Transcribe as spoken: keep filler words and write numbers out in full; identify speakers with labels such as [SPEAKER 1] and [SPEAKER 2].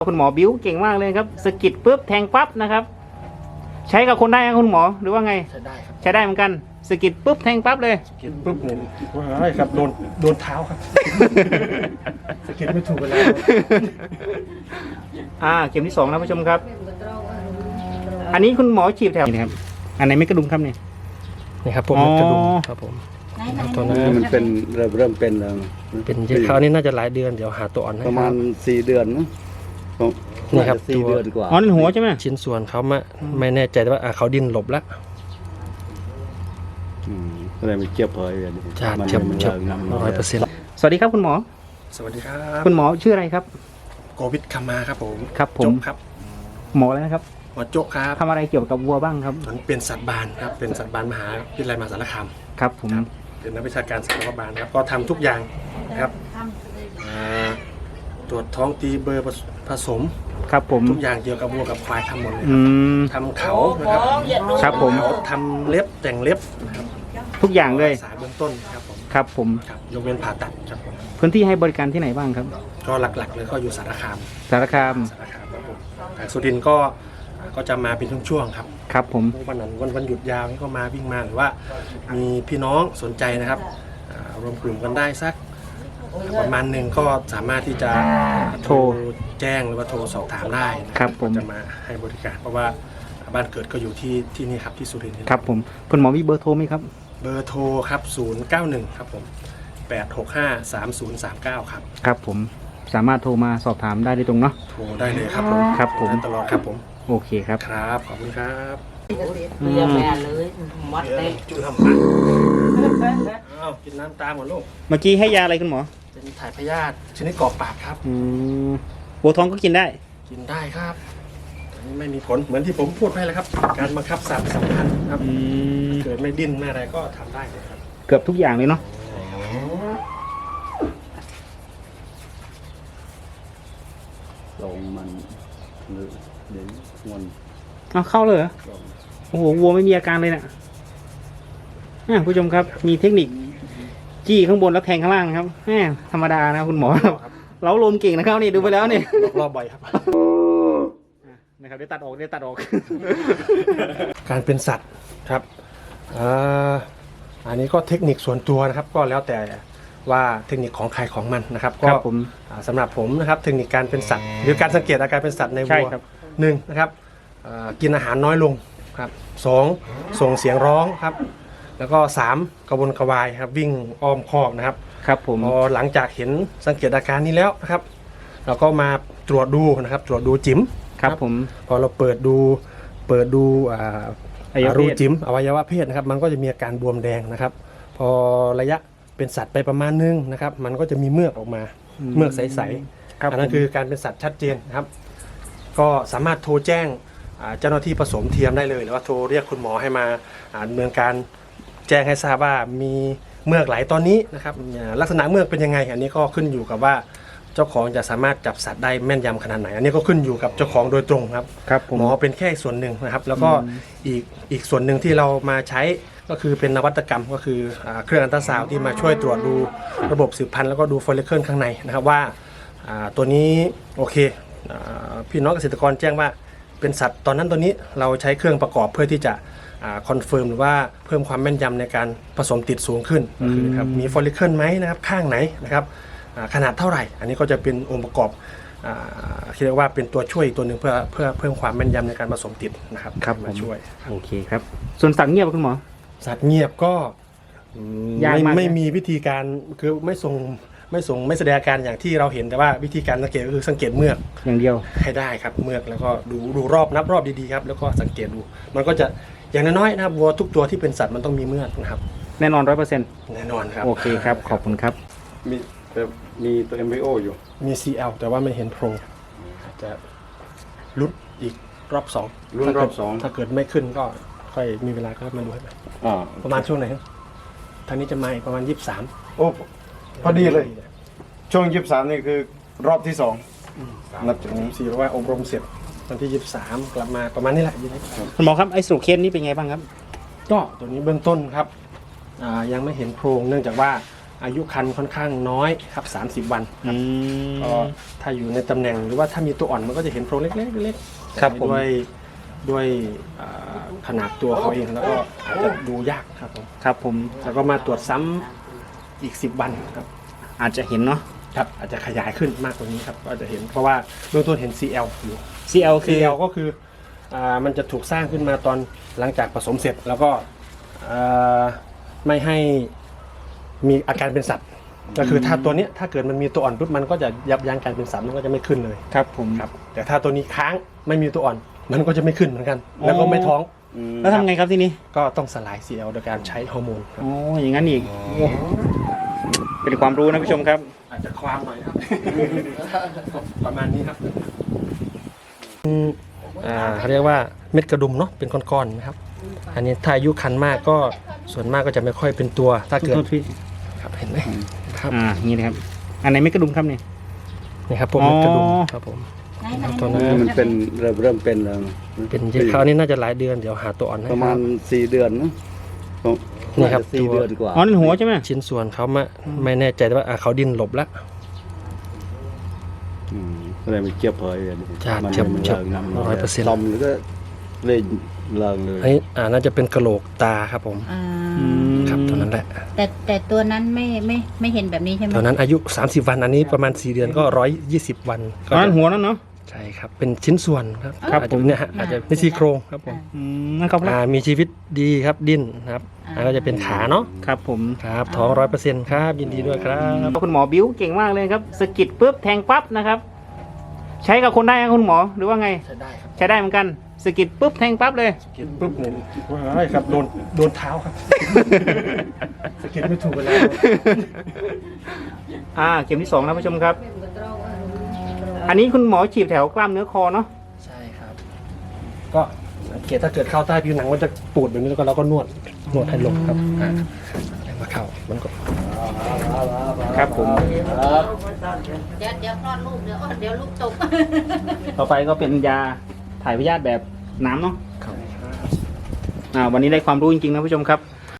[SPEAKER 1] คุณหมอบิ้วเก่งมากเลยครับสกิดปุ๊บแทงปั๊บนะครับใช้กับคนได้ไหมคุณหมอหรือว่าไง
[SPEAKER 2] ใช้ได้ครับ
[SPEAKER 1] ใช้ได้เหมือนกันสกิดปุ๊บแทงปั๊บเลย
[SPEAKER 2] สกิดปุ๊บเนี่ยว้ายครับโดนโดนเท้าครับสกิดไม่ถูกเวลา
[SPEAKER 1] อ่าเข็มที่สองนะผู้ชมครับอันนี้คุณหมอฉีดแถวนี้ครับอันไหนไม่กระดุมครับเนี่ย
[SPEAKER 2] นี่ครับพวกเม็ดกระดุมครับผม
[SPEAKER 3] ตัวนั้นมันเป็นเริ่มเริ่มเป็นแล้ว
[SPEAKER 2] เป็นเยอะคราวนี้น่าจะหลายเดือนเดี๋ยวหาตัวอ่อน
[SPEAKER 3] ประมาณสี่เดือนนะ
[SPEAKER 2] นี่ครับ
[SPEAKER 3] สี่เดือนกว่า
[SPEAKER 1] อ๋อนั่นหัวใช่ไหม
[SPEAKER 2] ชิ้นส่วนเขามาไม่แน่ใจว่าเขาดิ้นหลบแล้ว
[SPEAKER 3] อะไรมันเจ็บเลย
[SPEAKER 2] จ้าเจ็บเจ็บร้อยเปอร์เซ็นต์
[SPEAKER 1] สวัสดีครับคุณหมอ
[SPEAKER 2] สวัสดีครับ
[SPEAKER 1] คุณหมอชื่ออะไรครับ
[SPEAKER 2] โกวิทคามาครับผม
[SPEAKER 1] ครับผม
[SPEAKER 2] ครับ
[SPEAKER 1] หมออะไรนะครับ
[SPEAKER 2] หมอโจ๊กครับ
[SPEAKER 1] ทำอะไรเกี่ยวกับวัวบ้างครับ
[SPEAKER 2] มันเป็นสัตว์บานครับเป็นสัตว์บานมหาวิทยาลัยมหาสารคาม
[SPEAKER 1] ครับผม
[SPEAKER 2] เป็นนักวิชาการสัตว์บานครับก็ทำทุกอย่างครับตรวจท้องตีเบอร์ผสม
[SPEAKER 1] ครับผม
[SPEAKER 2] ทุกอย่างเกี่ยวกับวัวกับควายทำหมดเลยทำเขานะครับ
[SPEAKER 1] ครับผม
[SPEAKER 2] ทำเล็บแต่งเล็บนะครับ
[SPEAKER 1] ทุกอย่างเลย
[SPEAKER 2] สายเบื้องต้นครับผม
[SPEAKER 1] ครับผม
[SPEAKER 2] ครับยกเว้นผ่าตัดครับผม
[SPEAKER 1] พื้นที่ให้บริการที่ไหนบ้างครับ
[SPEAKER 2] ก็หลักๆเลยก็อยู่สารคาม
[SPEAKER 1] สารคาม
[SPEAKER 2] สารคามครับผมแต่สุรินทร์ก็ก็จะมาเป็นช่วงๆครับ
[SPEAKER 1] ครับผม
[SPEAKER 2] วันนั้นวันวันหยุดยาวนี่ก็มาวิ่งมาหรือว่ามีพี่น้องสนใจนะครับรวมกลุ่มกันได้สักประมาณหนึ่งก็สามารถที่จะโทรแจ้งหรือว่าโทรสอบถามได้
[SPEAKER 1] ครับผม
[SPEAKER 2] จะมาให้บริการเพราะว่าบ้านเกิดก็อยู่ที่ที่นี่ครับที่สุรินทร์
[SPEAKER 1] ครับผมคุณหมอมีเบอร์โทรไหมครับ
[SPEAKER 2] เบอร์โทรครับศูนย์ เก้า หนึ่งครับผมแปด หก ห้า สาม ศูนย์ สาม เก้าครับ
[SPEAKER 1] ครับผมสามารถโทรมาสอบถามได้โดยตรงเนาะ
[SPEAKER 2] โทรได้เลยครับผม
[SPEAKER 1] ครับผม
[SPEAKER 2] ตลอดครับผม
[SPEAKER 1] โอเคครับ
[SPEAKER 2] ครับขอบคุณครับ
[SPEAKER 4] เรียบแม่เลยมัดเต็ม
[SPEAKER 2] จุ่มทำปากอ้าวกินน้ำตามหมดลูก
[SPEAKER 1] เมื่อกี้ให้ยาอะไรคุณหมอ
[SPEAKER 2] เป็นถ่ายพยาธิชนิดกรอกปากครับ
[SPEAKER 1] อืมบัวทองก็กินได้
[SPEAKER 2] กินได้ครับอันนี้ไม่มีผลเหมือนที่ผมพูดไปแล้วครับการบังคับสัตว์สำคัญครับเกิดไม่ดิ้นไม่อะไรก็ทำได้เลยครับ
[SPEAKER 1] เกือบทุกอย่างเลยเนาะ
[SPEAKER 3] ลงมันเดี๋ยวมัน
[SPEAKER 1] เอาเข้าเลยเหรอโอ้โหวัวไม่มีอาการเลยนะผู้ชมครับมีเทคนิคจี้ข้างบนแล้วแทงข้างล่างครับแหมธรรมดานะคุณหมอเราลมเก่งนะครับนี่ดูไปแล้วนี่
[SPEAKER 2] รอบบ่อยครับ
[SPEAKER 1] นะครับได้ตัดออกได้ตัดออก
[SPEAKER 2] การเป็นสัตว์ครับอันนี้ก็เทคนิคส่วนตัวนะครับก็แล้วแต่ว่าเทคนิคของใครของมันนะครับก็สำหรับผมนะครับเทคนิคการเป็นสัตว์หรือการสังเกตอาการเป็นสัตว์ในวัวหนึ่งนะครับกินอาหารน้อยลงครับสองส่งเสียงร้องครับแล้วก็สามกระวนกระวายครับวิ่งอ้อมคอกนะครับ
[SPEAKER 1] ครับผม
[SPEAKER 2] พอหลังจากเห็นสังเกตอาการนี้แล้วนะครับเราก็มาตรวจดูนะครับตรวจดูจิ๋ม
[SPEAKER 1] ครับผม
[SPEAKER 2] พอเราเปิดดูเปิดดูรูจิ๋มอวัยวะเพศนะครับมันก็จะมีอาการบวมแดงนะครับพอระยะเป็นสัตว์ไปประมาณนึงนะครับมันก็จะมีเมือกออกมาเมือกใสๆอันนั้นคือการเป็นสัตว์ชัดเจนนะครับก็สามารถโทรแจ้งเจ้าหน้าที่ผสมเทียมได้เลยหรือว่าโทรเรียกคุณหมอให้มาดำเนินการแจ้งให้ทราบว่ามีเมือกไหลตอนนี้นะครับลักษณะเมือกเป็นยังไงอันนี้ก็ขึ้นอยู่กับว่าเจ้าของจะสามารถจับสัตว์ได้แม่นยำขนาดไหนอันนี้ก็ขึ้นอยู่กับเจ้าของโดยตรงครับหมอเป็นแค่ส่วนหนึ่งนะครับแล้วก็อีกอีกส่วนหนึ่งที่เรามาใช้ก็คือเป็นนวัตกรรมก็คือเครื่องอัลตราซาวด์ที่มาช่วยตรวจดูระบบสืบพันธุ์แล้วก็ดูฟอลลิเคิลข้างในนะครับว่าตัวนี้โอเคพี่น้องเกษตรกรแจ้งว่าเป็นสัตว์ตอนนั้นตัวนี้เราใช้เครื่องประกอบเพื่อที่จะคอนเฟิร์มหรือว่าเพิ่มความแม่นยำในการผสมติดสูงขึ้นคือครับมีฟอลลิเคิลไหมนะครับข้างไหนนะครับขนาดเท่าไหร่อันนี้ก็จะเป็นองค์ประกอบเรียกว่าเป็นตัวช่วยตัวหนึ่งเพื่อเพื่อเพิ่มความแม่นยำในการผสมติดนะครับ
[SPEAKER 1] ครับ
[SPEAKER 2] มาช่วย
[SPEAKER 1] โอเคครับส่วนสัตว์เงียบคุณหมอ
[SPEAKER 2] สัตว์เงียบก็ไม่ไม่มีวิธีการคือไม่ส่งไม่ส่งไม่แสดงอาการอย่างที่เราเห็นแต่ว่าวิธีการสังเกตก็คือสังเกตเมือก
[SPEAKER 1] อย่างเดียว
[SPEAKER 2] ให้ได้ครับเมือกแล้วก็ดูดูรอบนับรอบดีๆครับแล้วก็สังเกตดูมันก็จะอย่างน้อยๆนะครับวัวทุกตัวที่เป็นสัตว์มันต้องมีเมือกนะครับ
[SPEAKER 1] แน่นอนร้อยเปอร์เซ็นต์
[SPEAKER 2] แน่นอนครับ
[SPEAKER 1] โอเคครับขอบคุณครับ
[SPEAKER 3] มีมีตัว เอ็ม วี โอ อยู่
[SPEAKER 2] มี ซี แอล แต่ว่าไม่เห็นโพรงจะลุ้นอีกรอบสอง
[SPEAKER 3] ลุ้นรอบสอง
[SPEAKER 2] ถ้าเกิดไม่ขึ้นก็ค่อยมีเวลาก็มาดูให้ประมาณช่วงไหนครับทางนี้จะมาอีกประมาณยี่สิบสาม
[SPEAKER 3] โอ้พอดีเลยช่วงยี่สิบสามนี่คือรอบที่สอง
[SPEAKER 2] นับจากนี้สี่เพราะว่าอบรมเสร็จวันที่ยี่สิบสามกลับมาประมาณนี้แหละ
[SPEAKER 1] คุณหมอครับไอ้สูเคสนี้เป็นไงบ้างครับ
[SPEAKER 2] ก็ตัวนี้เบื้องต้นครับยังไม่เห็นโพรงเนื่องจากว่าอายุครรภ์ค่อนข้างน้อยครับสามสิบวัน
[SPEAKER 1] อืม
[SPEAKER 2] ก็ถ้าอยู่ในตำแหน่งหรือว่าถ้ามีตัวอ่อนมันก็จะเห็นโพรงเล็กๆเล็กๆ
[SPEAKER 1] ครับผม
[SPEAKER 2] ด้วยด้วยอ่าขนาดตัวเขาเองแล้วก็อาจจะดูยากครับผม
[SPEAKER 1] ครับผม
[SPEAKER 2] แล้วก็มาตรวจซ้ำอีกสิบวันครับ
[SPEAKER 1] อาจจะเห็นเนาะ
[SPEAKER 2] ครับอาจจะขยายขึ้นมากกว่านี้ครับก็จะเห็นเพราะว่าเบื้องต้นเห็น ซี แอล อยู่
[SPEAKER 1] ซี แอล คือ
[SPEAKER 2] ซี แอล ก็คืออ่ามันจะถูกสร้างขึ้นมาตอนหลังจากผสมเสร็จแล้วก็อ่าไม่ให้มีอาการเป็นสัตว์ ก็คือถ้าตัวเนี้ยถ้าเกิดมันมีตัวอ่อนปุ๊บมันก็จะยับยั้งการเป็นสัตว์มันก็จะไม่ขึ้นเลย
[SPEAKER 1] ครับผม
[SPEAKER 2] ครับแต่ถ้าตัวนี้ค้างไม่มีตัวอ่อนมันก็จะไม่ขึ้นเหมือนกัน แล้วก็ไม่ท้อง
[SPEAKER 1] แล้วทำไงครับที่นี้
[SPEAKER 2] ก็ต้องสลาย ซี แอล โดยการใช้ฮอร์โมนครับ
[SPEAKER 1] โอ้อย่างนั้นอีกโอ้เป็นความรู้นะผู้ชมครับ
[SPEAKER 2] อาจจะความหน่อยครับ ประมาณนี้ครับอืมอ่าเขาเรียกว่าเม็ดกระดุมเนาะเป็นก้อนๆนะครับ อันนี้ถ้าอายุคันมากก็ส่วนมากก็จะไม่ค่อยเป็นตัวถ้าเกิด
[SPEAKER 1] โทษพี่
[SPEAKER 2] ครับเห็นไหมครับ
[SPEAKER 1] อ่านี่นะครับ อันไหนไม่กระดุมครับเนี่ย
[SPEAKER 2] นี่ครับพวกเม็ดกระดุม
[SPEAKER 1] อ๋อ
[SPEAKER 2] ครับผม
[SPEAKER 4] ไหนไหน
[SPEAKER 2] ตัวนั้
[SPEAKER 3] เออมันเป็นเริ่มเริ่มเป็นแล้ว
[SPEAKER 2] เป็นเยอะคราวนี้น่าจะหลายเดือนเดี๋ยวหาตัวอ่อนให้
[SPEAKER 3] ประมาณสี่เดือนนะ
[SPEAKER 2] นี่ครับ
[SPEAKER 3] สี่
[SPEAKER 2] ตัว
[SPEAKER 3] เดือนกว่า
[SPEAKER 1] อ๋อนั่นหัวใช่ไหม
[SPEAKER 2] ชิ้นส่วนเขาไม่ไม่แน่ใจแต่ว่าอ่ะเขาดิ้นหลบแล้ว
[SPEAKER 3] อืมก็เลยมันเจียบเผยเลย
[SPEAKER 2] จ้ะ
[SPEAKER 3] มัน
[SPEAKER 2] เจียบ
[SPEAKER 3] มัน
[SPEAKER 2] เจียบ
[SPEAKER 3] เลิงนะ
[SPEAKER 2] ร้อยเปอร์เซ็นต์
[SPEAKER 3] ลมหรือก็เลยเลิงเลย
[SPEAKER 2] อันนี้อ่าน่าจะเป็นกระโหลกตาครับผม
[SPEAKER 4] อ่า
[SPEAKER 1] อืม
[SPEAKER 2] ครับตัวนั้นแหละ
[SPEAKER 4] แต่แต่ตัวนั้นไม่ไม่ไม่เห็นแบบนี้ใช่ไหม
[SPEAKER 2] ตอนนั้นอายุ สามสิบ วันอันนี้ประมาณสี่เดือนก็หนึ่งร้อยยี่สิบวันก็
[SPEAKER 1] อ๋อนั่น
[SPEAKER 2] จะ
[SPEAKER 1] หัวนั่นเนาะ
[SPEAKER 2] ใช่ครับเป็นชิ้นส่วนครับ
[SPEAKER 1] ครับ
[SPEAKER 2] อาจจะเนี่ยฮะอาจจะเป็นซี่โครงครับผม
[SPEAKER 1] อืมนั่นครับ
[SPEAKER 2] อ่ามีชีวิตดีครับดิ้นนะครับอันก็จะเป็นขาเนาะ
[SPEAKER 1] ครับผม
[SPEAKER 2] ครับท้องร้อยเปอร์เซ็นต์ครับยินดีด้วยครับ
[SPEAKER 1] คุณหมอบิ้วเก่งมากเลยครับสะกิดปุ๊บแทงปั๊บนะครับ ใช้กับคนได้ไหมคุณหมอหรือว่าไง
[SPEAKER 2] ใช้ได้ครับ
[SPEAKER 1] ใช้ได้เหมือนกันสะกิดปุ๊บแทงปั๊บเลย
[SPEAKER 2] สะกิดปุ๊บเนี่ยว้ายครับโดนโดนเท้าครับสะกิดไม่ถูกกันแล้ว
[SPEAKER 1] อ่าเข็มที่สองนะผู้ชมครับ อันนี้คุณหมอฉีดแถวกล้ามเนื้อคอเนาะ
[SPEAKER 2] ใช่ครับ ก็สังเกตถ้าเกิดเข้าใต้ผิวหนังมันจะปูดแบบนี้แล้วก็เราก็นวดนวดให้ลงครับอ่าแล้วมาเข้ามันก็
[SPEAKER 1] ครับผม
[SPEAKER 4] เดี๋ยวเดี๋ยวคลอดลูกเดี๋ยวเดี๋ยวลูกตก
[SPEAKER 1] ต่อไปก็เป็นยาถ่ายพยาธิแบบน้ำเนาะ
[SPEAKER 2] เข้า
[SPEAKER 1] อ่าวันนี้ได้ความรู้จริงๆนะผู้ชมครับ